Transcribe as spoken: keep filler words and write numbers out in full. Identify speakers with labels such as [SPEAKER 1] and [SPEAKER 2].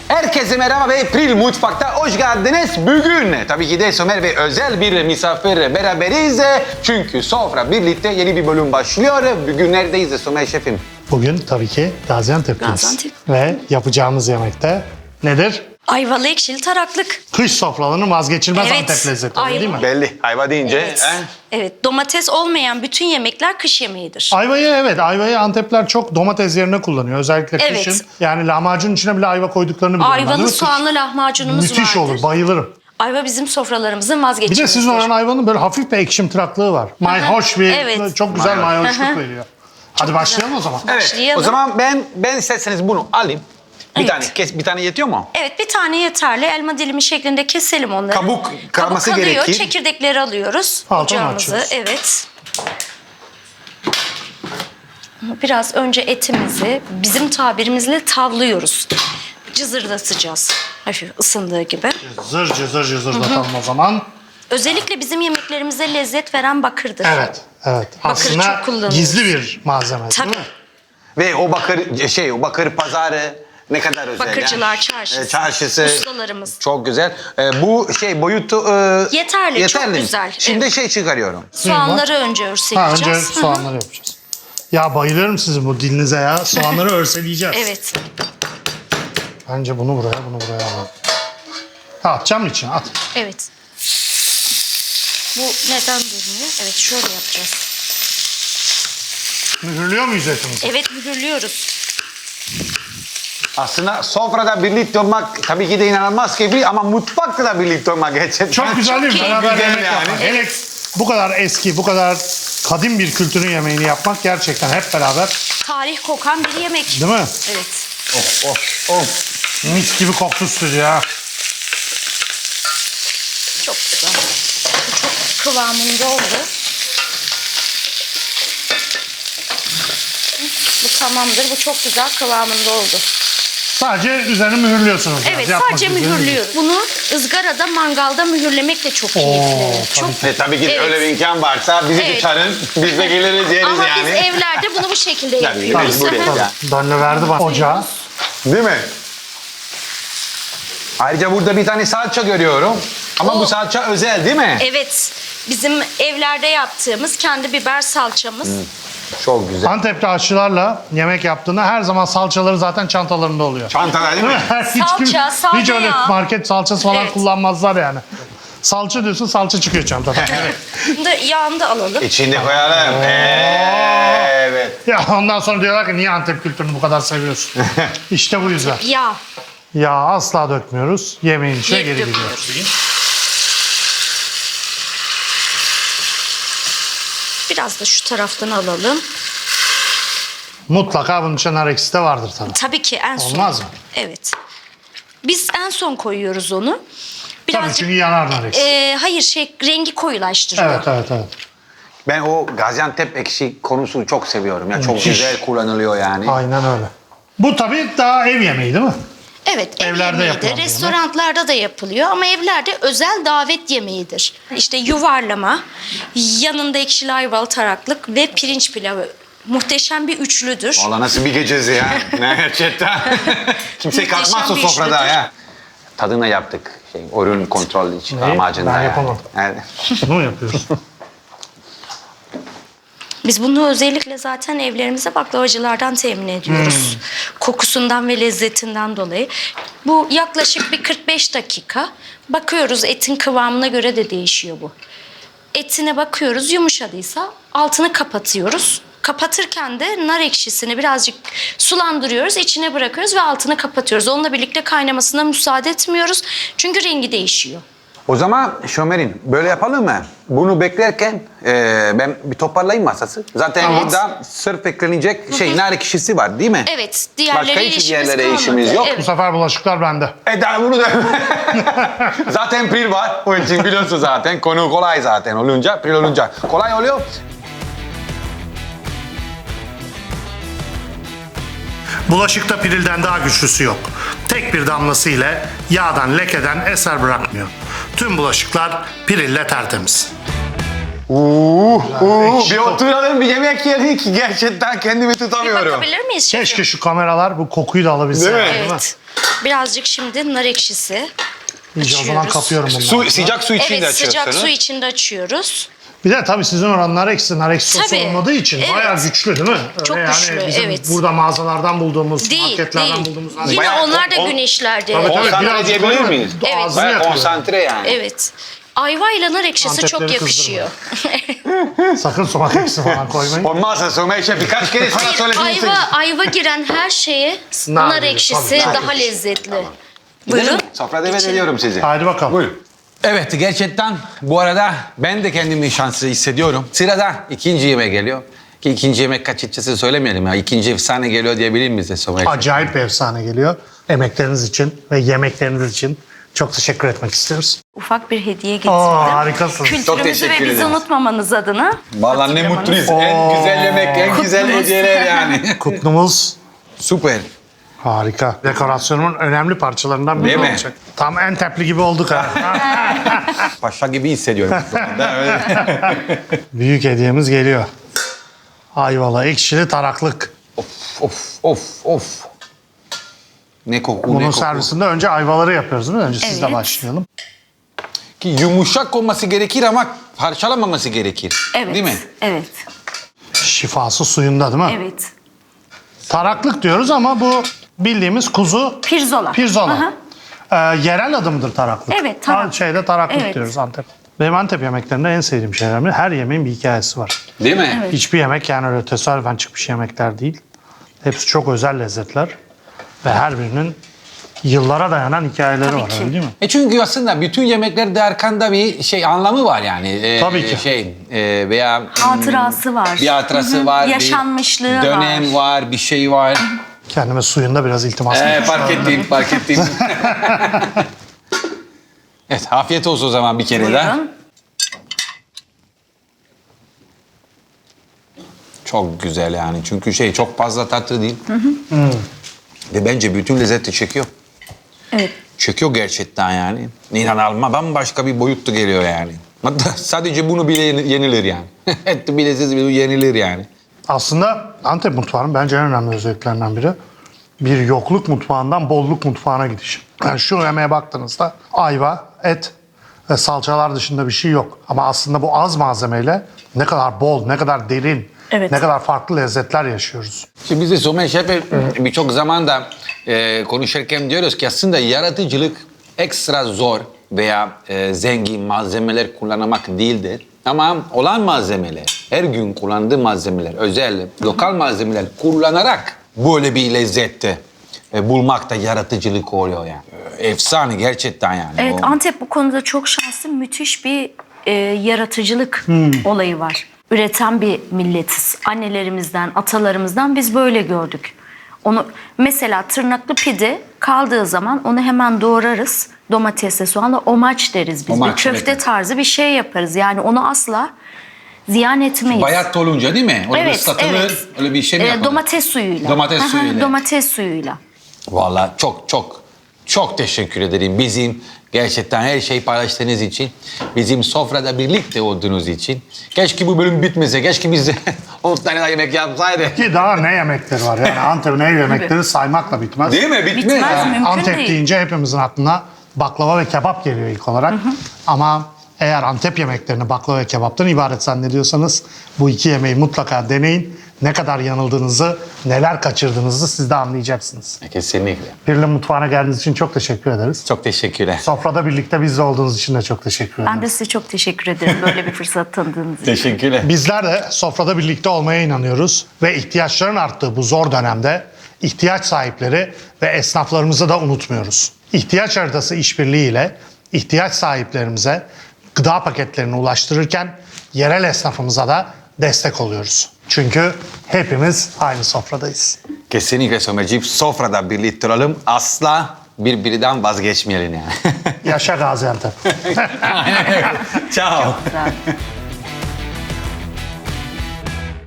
[SPEAKER 1] Herkese merhaba ve Pril Mutfak'ta hoş geldiniz. Bugün tabii ki de Somer ve özel bir misafir beraberiz. Çünkü sofra birlikte yeni bir bölüm başlıyor. Bugün neredeyiz Somer şefim?
[SPEAKER 2] Bugün tabii ki Gaziantep'teyiz.
[SPEAKER 3] Gaziantep.
[SPEAKER 2] Ve yapacağımız yemekte nedir?
[SPEAKER 3] Ayvalı ekşili taraklık.
[SPEAKER 2] Kış sofralarının vazgeçilmez
[SPEAKER 3] Evet,
[SPEAKER 2] Antep lezzetleri
[SPEAKER 3] ayva.
[SPEAKER 2] değil mi?
[SPEAKER 1] Belli. Ayva deyince.
[SPEAKER 3] Evet.
[SPEAKER 1] he?
[SPEAKER 3] Evet, domates olmayan bütün yemekler kış yemeğidir.
[SPEAKER 2] Ayvayı evet, ayvayı Antepler çok domates yerine kullanıyor. Özellikle
[SPEAKER 3] Evet.
[SPEAKER 2] kışın. Yani lahmacun içine bile ayva koyduklarını biliyorum. ben, değil
[SPEAKER 3] Ayvalı
[SPEAKER 2] mi?
[SPEAKER 3] soğanlı lahmacunumuz
[SPEAKER 2] Müthiş
[SPEAKER 3] vardır.
[SPEAKER 2] olur, bayılırım.
[SPEAKER 3] Ayva bizim sofralarımızın
[SPEAKER 2] Bir
[SPEAKER 3] vazgeçilmezidir.
[SPEAKER 2] de sizin oranın ayvanın böyle hafif bir ekşimtıraklığı var. Mayhoş bir,
[SPEAKER 3] Evet.
[SPEAKER 2] çok güzel
[SPEAKER 1] Mayhoş.
[SPEAKER 2] mayhoşluk veriyor. Hadi başlayalım o zaman.
[SPEAKER 1] Evet.
[SPEAKER 3] Başlayalım.
[SPEAKER 1] O zaman ben ben isterseniz bunu alayım. Bir
[SPEAKER 3] Evet.
[SPEAKER 1] tane kes, bir tane yetiyor mu?
[SPEAKER 3] Evet, bir tane yeterli. Elma dilimi şeklinde keselim onları.
[SPEAKER 1] Kabuk kalması
[SPEAKER 3] Kabuk kalıyor,
[SPEAKER 1] gerekir.
[SPEAKER 3] çekirdekleri alıyoruz.
[SPEAKER 2] Altını
[SPEAKER 3] Ocağımızı,
[SPEAKER 2] açıyoruz.
[SPEAKER 3] evet. Biraz önce etimizi bizim tabirimizle tavlıyoruz. Cızırdatacağız. Hafif ısındığı gibi.
[SPEAKER 2] Zır cızır cızırdatalım o zaman.
[SPEAKER 3] Özellikle bizim yemeklerimize lezzet veren bakırdır.
[SPEAKER 2] Evet, evet.
[SPEAKER 3] Bakırı
[SPEAKER 2] Aslında
[SPEAKER 3] çok kullanıyoruz.
[SPEAKER 2] gizli bir malzeme
[SPEAKER 3] Tabii.
[SPEAKER 2] değil mi?
[SPEAKER 1] Ve o bakır şey o bakır pazarı ne kadar özel.
[SPEAKER 3] Bakırcılar
[SPEAKER 1] yani.
[SPEAKER 3] çarşısı.
[SPEAKER 1] E, Çarşısı.
[SPEAKER 3] Ustalarımız.
[SPEAKER 1] Çok güzel. E, bu şey boyutu e,
[SPEAKER 3] Yeterli, çok güzel.
[SPEAKER 1] Şimdi
[SPEAKER 3] Evet.
[SPEAKER 1] şey çıkarıyorum.
[SPEAKER 3] Soğanları önce
[SPEAKER 2] Ha,
[SPEAKER 3] örseleyeceğiz.
[SPEAKER 2] önce
[SPEAKER 3] Hı hı.
[SPEAKER 2] soğanları yapacağız. Ya bayılıyorum sizin bu dilinize ya. Soğanları örseleyeceğiz.
[SPEAKER 3] Evet.
[SPEAKER 2] Bence bunu buraya, bunu buraya alalım. Ha, atacağım mı içine? At.
[SPEAKER 3] Evet. Bu neden durmuyor? Evet, şöyle yapacağız.
[SPEAKER 2] Mühürlüyor muyuz etimizi?
[SPEAKER 3] Evet, mühürlüyoruz.
[SPEAKER 1] Aslında sofrada birlikte olmak tabii ki de inanılmaz keyifli ama mutfakta da birlikte olmak gerçekten.
[SPEAKER 2] Çok güzel değil mi?
[SPEAKER 3] keyifli.
[SPEAKER 2] Beraber
[SPEAKER 1] Güzel
[SPEAKER 2] yemek
[SPEAKER 1] yani.
[SPEAKER 2] yapmak. Hele bu kadar eski, bu kadar kadim bir kültürün yemeğini yapmak gerçekten hep beraber,
[SPEAKER 3] Tarih kokan bir yemek.
[SPEAKER 2] değil mi?
[SPEAKER 3] Evet.
[SPEAKER 1] Of of of.
[SPEAKER 2] Mis gibi koktu stüdyo ya.
[SPEAKER 3] Çok güzel. Bu çok kıvamında oldu. Bu tamamdır. Bu çok güzel kıvamında oldu.
[SPEAKER 2] Sadece üzerini mühürlüyorsunuz. biraz.
[SPEAKER 3] Evet,
[SPEAKER 2] Yapmak
[SPEAKER 3] sadece
[SPEAKER 2] üzere değil.
[SPEAKER 3] mühürlüyoruz. Bunu ızgarada, mangalda mühürlemek de çok
[SPEAKER 2] Oo,
[SPEAKER 3] keyifli. Çok.
[SPEAKER 2] tabii.
[SPEAKER 1] E, tabii ki de
[SPEAKER 3] Evet.
[SPEAKER 1] öyle bir imkan varsa bizi
[SPEAKER 3] Evet.
[SPEAKER 1] bir çağırın. Biz de geliriz yeriz
[SPEAKER 3] Ama
[SPEAKER 1] yani.
[SPEAKER 3] biz evlerde bunu bu şekilde
[SPEAKER 1] Tabii,
[SPEAKER 3] yapıyoruz.
[SPEAKER 1] mecbur
[SPEAKER 3] Hı hı.
[SPEAKER 1] edeceğiz.
[SPEAKER 2] Danle verdi bana ocağa.
[SPEAKER 1] Değil mi? Ayrıca burada bir tane salça görüyorum. Ama
[SPEAKER 3] O-
[SPEAKER 1] bu salça özel değil mi?
[SPEAKER 3] Evet, bizim evlerde yaptığımız kendi biber salçamız.
[SPEAKER 1] Çok güzel.
[SPEAKER 2] Antep'te aşçılarla yemek yaptığında her zaman salçaları zaten çantalarında oluyor.
[SPEAKER 1] Çantalar değil mi?
[SPEAKER 2] hiç,
[SPEAKER 3] Salça, sade
[SPEAKER 2] hiç öyle
[SPEAKER 3] yağ.
[SPEAKER 2] market salçası falan
[SPEAKER 3] Evet.
[SPEAKER 2] kullanmazlar yani. Salça diyorsun, salça çıkıyor çantadan.
[SPEAKER 3] Bunu da yağını da alalım.
[SPEAKER 1] İçinde koyalım. Evet.
[SPEAKER 2] Ya ondan sonra diyorlar ki niye Antep kültürünü bu kadar seviyorsun? İşte bu yüzden.
[SPEAKER 3] Yağ.
[SPEAKER 2] Yağ asla dökmüyoruz. Yemeğin içine
[SPEAKER 3] Geri
[SPEAKER 2] geri
[SPEAKER 3] dökmüyoruz.
[SPEAKER 2] gidiyor.
[SPEAKER 3] Biraz da şu taraftan alalım.
[SPEAKER 2] Mutlaka bunun içinde nar ekşisi de vardır tabii.
[SPEAKER 3] Tabii ki en son.
[SPEAKER 2] Olmaz mı?
[SPEAKER 3] Evet. Biz en son koyuyoruz onu.
[SPEAKER 2] Tabii
[SPEAKER 3] Birazcık,
[SPEAKER 2] çünkü yanar nar ekşisi.
[SPEAKER 3] e, hayır şey rengi koyulaştırıyor.
[SPEAKER 2] Evet, evet, evet.
[SPEAKER 1] Ben o Gaziantep ekşi konusunu çok seviyorum. Ya çok
[SPEAKER 2] Müthiş.
[SPEAKER 1] güzel kullanılıyor yani.
[SPEAKER 2] Aynen öyle. Bu tabii daha ev yemeği değil mi?
[SPEAKER 3] Evet, ev
[SPEAKER 2] Evlerde
[SPEAKER 3] yemeği de,
[SPEAKER 2] yapılan bir
[SPEAKER 3] restoranlarda da yapılıyor ama evlerde özel davet yemeğidir. İşte yuvarlama, yanında ekşili ayvalı taraklık ve pirinç pilavı. Muhteşem bir üçlüdür.
[SPEAKER 1] Valla nasıl bir gecesi ya. Ne gerçekten. Kimse
[SPEAKER 3] Muhteşem
[SPEAKER 1] kalkmaz o
[SPEAKER 3] bir
[SPEAKER 1] sofrada
[SPEAKER 3] işlidir.
[SPEAKER 1] ya. Tadına yaptık. Şey, ürün kontrol için
[SPEAKER 2] Neyi?
[SPEAKER 1] amacında.
[SPEAKER 2] Ben
[SPEAKER 1] yani.
[SPEAKER 2] yapamadım.
[SPEAKER 1] Evet.
[SPEAKER 2] Bunu mu yapıyoruz?
[SPEAKER 3] Biz bunu özellikle zaten evlerimize baklavacılardan temin ediyoruz.
[SPEAKER 2] Hmm.
[SPEAKER 3] Kokusundan ve lezzetinden dolayı. Bu yaklaşık bir kırk beş dakika. Bakıyoruz, etin kıvamına göre de değişiyor bu. Etine bakıyoruz, yumuşadıysa altını kapatıyoruz. Kapatırken de nar ekşisini birazcık sulandırıyoruz, içine bırakıyoruz ve altını kapatıyoruz. Onunla birlikte kaynamasına müsaade etmiyoruz. Çünkü rengi değişiyor.
[SPEAKER 1] O zaman Şömer'in böyle yapalım mı? Bunu beklerken e, ben bir toparlayayım masası. Zaten
[SPEAKER 3] Evet.
[SPEAKER 1] burada sırf eklenecek şey nar ekşisi var değil mi?
[SPEAKER 3] Evet,
[SPEAKER 1] Başka
[SPEAKER 3] diğerleri
[SPEAKER 1] hiç
[SPEAKER 3] işimiz
[SPEAKER 1] diğerlere
[SPEAKER 3] kalmadı.
[SPEAKER 1] işimiz yok.
[SPEAKER 2] Bu
[SPEAKER 3] Evet.
[SPEAKER 2] sefer bulaşıklar bende.
[SPEAKER 1] E daha bunu da... zaten Pril var. Onun için biliyorsun zaten. Konu kolay zaten olunca. Pril olunca kolay oluyor.
[SPEAKER 2] Bulaşıkta pirilden daha güçlüsü yok. Tek bir damlası ile yağdan lekeden eser bırakmıyor. Tüm bulaşıklar pirille tertemiz.
[SPEAKER 1] Uuu, uuu, bir oturalım bir yemek yiyelim ki gerçekten kendimi
[SPEAKER 3] Bir
[SPEAKER 1] tutamıyorum.
[SPEAKER 3] bakabilir miyiz şefim?
[SPEAKER 2] Keşke şu kameralar bu kokuyu da alabilse.
[SPEAKER 1] Değil mi?
[SPEAKER 2] yani,
[SPEAKER 3] Evet. Birazcık şimdi nar ekşisi
[SPEAKER 2] İyice o zaman
[SPEAKER 3] açıyoruz.
[SPEAKER 2] kapıyorum bunları.
[SPEAKER 1] Su, sıcak su için de
[SPEAKER 3] Evet, sıcak
[SPEAKER 1] açıyorsunuz.
[SPEAKER 3] su içinde açıyoruz.
[SPEAKER 2] Bir de tabii sizin oranlar eksi, nar eksi sosu
[SPEAKER 3] Tabii.
[SPEAKER 2] olmadığı için
[SPEAKER 3] Evet.
[SPEAKER 2] bayağı güçlü değil mi? Öyle
[SPEAKER 3] Çok güçlü,
[SPEAKER 2] bizim
[SPEAKER 3] evet.
[SPEAKER 2] burada mağazalardan bulduğumuz,
[SPEAKER 3] Değil,
[SPEAKER 2] marketlerden
[SPEAKER 3] değil.
[SPEAKER 2] bulduğumuz nar
[SPEAKER 3] Yine
[SPEAKER 2] ekşisi.
[SPEAKER 1] Bayağı
[SPEAKER 3] onlar da
[SPEAKER 1] kon-
[SPEAKER 3] güneşlerde.
[SPEAKER 2] Tabii, tabii.
[SPEAKER 1] Konsantre
[SPEAKER 2] birazcık
[SPEAKER 1] diyebilir
[SPEAKER 2] koyuyor,
[SPEAKER 1] miyiz?
[SPEAKER 3] Evet.
[SPEAKER 2] Ağzını
[SPEAKER 1] Bayağı
[SPEAKER 2] yakıyor.
[SPEAKER 1] konsantre yani.
[SPEAKER 3] Evet. Ayva ile nar ekşisi çok
[SPEAKER 2] Antepleri
[SPEAKER 3] yakışıyor.
[SPEAKER 2] Sakın sumak eksi falan koymayın.
[SPEAKER 1] Olmazsa Somer Şef birkaç kere sana
[SPEAKER 3] Hayır,
[SPEAKER 1] söyledim.
[SPEAKER 3] ayva, ayva giren her şeye
[SPEAKER 2] Nar
[SPEAKER 3] nar,
[SPEAKER 2] giriyor,
[SPEAKER 3] ekşisi
[SPEAKER 2] tabii, nar
[SPEAKER 3] daha
[SPEAKER 2] ekşisi.
[SPEAKER 3] lezzetli. Buyurun.
[SPEAKER 1] Sofra davet
[SPEAKER 3] İçin.
[SPEAKER 1] ediyorum sizi.
[SPEAKER 2] Haydi bakalım.
[SPEAKER 1] Buyurun. Evet gerçekten bu arada ben de kendimi şanslı hissediyorum. Sırada ikinci yemek geliyor. Ki ikinci yemek açıkçası söylemeyelim ya. İkinci efsane geliyor diyebilir miyiz de Somer Şef?
[SPEAKER 2] Acayip bir efsane geliyor. Emekleriniz için ve yemekleriniz için çok teşekkür etmek istiyoruz.
[SPEAKER 3] Ufak bir hediye getirdim.
[SPEAKER 2] Oo, harikasınız.
[SPEAKER 1] Çok
[SPEAKER 3] Kültürümüzü
[SPEAKER 1] teşekkür
[SPEAKER 3] ve bizi
[SPEAKER 1] ederiz.
[SPEAKER 3] unutmamanız adına.
[SPEAKER 1] Vallahi ne
[SPEAKER 3] hatırlamanız.
[SPEAKER 1] mutluyuz. En güzel yemek, en güzel
[SPEAKER 3] Kutlumuz.
[SPEAKER 1] hediyeler yani.
[SPEAKER 2] Kutlumuz
[SPEAKER 1] Süper.
[SPEAKER 2] harika. Dekorasyonun önemli parçalarından biri
[SPEAKER 1] Değil mi?
[SPEAKER 2] olacak. Tam Antepli gibi olduk ha.
[SPEAKER 1] Paşa gibi hissediyorum. şu anda, öyle.
[SPEAKER 2] Büyük hediyemiz geliyor. Ayvalı, ekşili taraklık.
[SPEAKER 1] of of of of. Ne koku,
[SPEAKER 2] Bunun
[SPEAKER 1] ne koku.
[SPEAKER 2] servisinde önce ayvaları yapıyoruz değil mi? Önce sizle
[SPEAKER 3] Evet.
[SPEAKER 2] başlayalım.
[SPEAKER 1] Ki yumuşak olması gerekir ama parçalamaması gerekir.
[SPEAKER 3] Evet.
[SPEAKER 1] Değil mi?
[SPEAKER 3] Evet.
[SPEAKER 2] Şifası suyunda değil mi?
[SPEAKER 3] Evet.
[SPEAKER 2] Taraklık diyoruz ama bu bildiğimiz kuzu
[SPEAKER 3] Pirzola.
[SPEAKER 2] pirzola.
[SPEAKER 3] Aha.
[SPEAKER 2] Ee, yerel adımıdır taraklık.
[SPEAKER 3] Evet, tarak.
[SPEAKER 2] Ha, Şeyde taraklık
[SPEAKER 3] Evet.
[SPEAKER 2] diyoruz Antep. Benim Antep yemeklerinde en sevdiğim şeyler mi? Her yemeğin bir hikayesi var.
[SPEAKER 1] Değil mi?
[SPEAKER 3] Evet.
[SPEAKER 2] Hiçbir yemek yani öyle tesadüfen çıkmış yemekler değil. Hepsi çok özel lezzetler. Ve her birinin yıllara dayanan hikayeleri
[SPEAKER 3] Tabii
[SPEAKER 2] var
[SPEAKER 3] ki.
[SPEAKER 2] öyle değil mi?
[SPEAKER 1] E çünkü aslında bütün yemeklerde arkanda bir şey anlamı var yani. Ee,
[SPEAKER 2] Tabii ki.
[SPEAKER 1] Şey e, veya
[SPEAKER 3] Hatırası var.
[SPEAKER 1] bir hatırası
[SPEAKER 3] Hı hı.
[SPEAKER 1] var.
[SPEAKER 3] Yaşanmışlığı
[SPEAKER 1] bir dönem
[SPEAKER 3] var.
[SPEAKER 1] var. bir şey var.
[SPEAKER 2] Kendime suyunda biraz iltimas
[SPEAKER 1] Ee,
[SPEAKER 2] etmiş
[SPEAKER 1] fark
[SPEAKER 2] oldum.
[SPEAKER 1] ettim, fark ettim. Evet, afiyet olsun o zaman bir kere daha.
[SPEAKER 3] Buyurun.
[SPEAKER 1] Çok güzel yani çünkü şey çok fazla tatlı değil. Ve bence bütün lezzeti çekiyor.
[SPEAKER 3] Evet.
[SPEAKER 1] Çekiyor gerçekten yani. İnanılmaz bambaşka bir boyuttu geliyor yani. Hatta sadece bunu bile yeni- yenilir yani. Et bile siz bile yenilir yani.
[SPEAKER 2] Aslında Antep mutfağının bence en önemli özelliklerinden biri bir yokluk mutfağından bolluk mutfağına gidiş. Yani şu yemeğe baktığınızda ayva, et ve salçalar dışında bir şey yok. Ama aslında bu az malzemeyle ne kadar bol, ne kadar derin,
[SPEAKER 3] Evet.
[SPEAKER 2] ne kadar farklı lezzetler yaşıyoruz.
[SPEAKER 1] Şimdi biz de Somer Şef'e birçok zaman da e, konuşurken diyoruz ki aslında yaratıcılık ekstra zor veya e, zengin malzemeler kullanmak değildir. Ama olan malzemeler, her gün kullandığı malzemeler, özel, lokal malzemeler kullanarak böyle bir lezzette e, bulmak da yaratıcılık oluyor yani. E, Efsane gerçekten yani.
[SPEAKER 3] Evet,
[SPEAKER 1] O-
[SPEAKER 3] Antep bu konuda çok şanslı, müthiş bir e, yaratıcılık
[SPEAKER 1] Hmm.
[SPEAKER 3] olayı var. Üreten bir milletiz. Annelerimizden, atalarımızdan biz böyle gördük. Onu mesela tırnaklı pide kaldığı zaman onu hemen doğrarız. Domatesle, soğanla omaç deriz biz.
[SPEAKER 1] Omaç,
[SPEAKER 3] bir köfte
[SPEAKER 1] evet.
[SPEAKER 3] tarzı bir şey yaparız. Yani onu asla ziyan etmeyiz.
[SPEAKER 1] Bayat olunca değil mi? Öyle bir ıslatılır, öyle bir şey mi
[SPEAKER 3] Ee,
[SPEAKER 1] yapalım?
[SPEAKER 3] domates suyuyla.
[SPEAKER 1] Domates
[SPEAKER 3] Aha,
[SPEAKER 1] suyuyla.
[SPEAKER 3] Domates suyuyla.
[SPEAKER 1] Vallahi çok çok çok teşekkür ederim. Bizim gerçekten her şeyi paylaştığınız için, bizim sofrada birlikte olduğunuz için. Keşke bu bölüm bitmese, keşke biz on tane daha yemek yapsaydık.
[SPEAKER 2] Ki daha ne yemekleri var yani Antep'in ev yemekleri saymakla bitmez.
[SPEAKER 1] Değil mi? Bitmez.
[SPEAKER 3] Bitmez
[SPEAKER 1] ha.
[SPEAKER 3] mi? Mümkün
[SPEAKER 2] Antep
[SPEAKER 3] değil.
[SPEAKER 2] deyince hepimizin aklına baklava ve kebap geliyor ilk olarak. Ama eğer Antep yemeklerini baklava ve kebaptan ibaret zannediyorsanız bu iki yemeği mutlaka deneyin. Ne kadar yanıldığınızı, neler kaçırdığınızı siz de anlayacaksınız.
[SPEAKER 1] Kesinlikle.
[SPEAKER 2] Birli Mutfağı'na geldiğiniz için çok teşekkür ederiz.
[SPEAKER 1] Çok teşekkürler.
[SPEAKER 2] Sofrada birlikte bizle olduğunuz için de çok teşekkür ederiz.
[SPEAKER 3] Ben de size çok teşekkür ederim böyle bir fırsat tanıdığınız için.
[SPEAKER 1] Teşekkürler.
[SPEAKER 2] Bizler de sofrada birlikte olmaya inanıyoruz ve ihtiyaçların arttığı bu zor dönemde ihtiyaç sahipleri ve esnaflarımızı da unutmuyoruz. İhtiyaç haritası işbirliğiyle ihtiyaç sahiplerimize gıda paketlerini ulaştırırken yerel esnafımıza da destek oluyoruz. Çünkü hepimiz aynı sofradayız.
[SPEAKER 1] Kesinlikle Somerciğim. Sofrada birlikte olalım. Asla birbirinden vazgeçmeyelim yani.
[SPEAKER 2] Yaşa Gaziantep.
[SPEAKER 1] Ciao.
[SPEAKER 3] Güzel.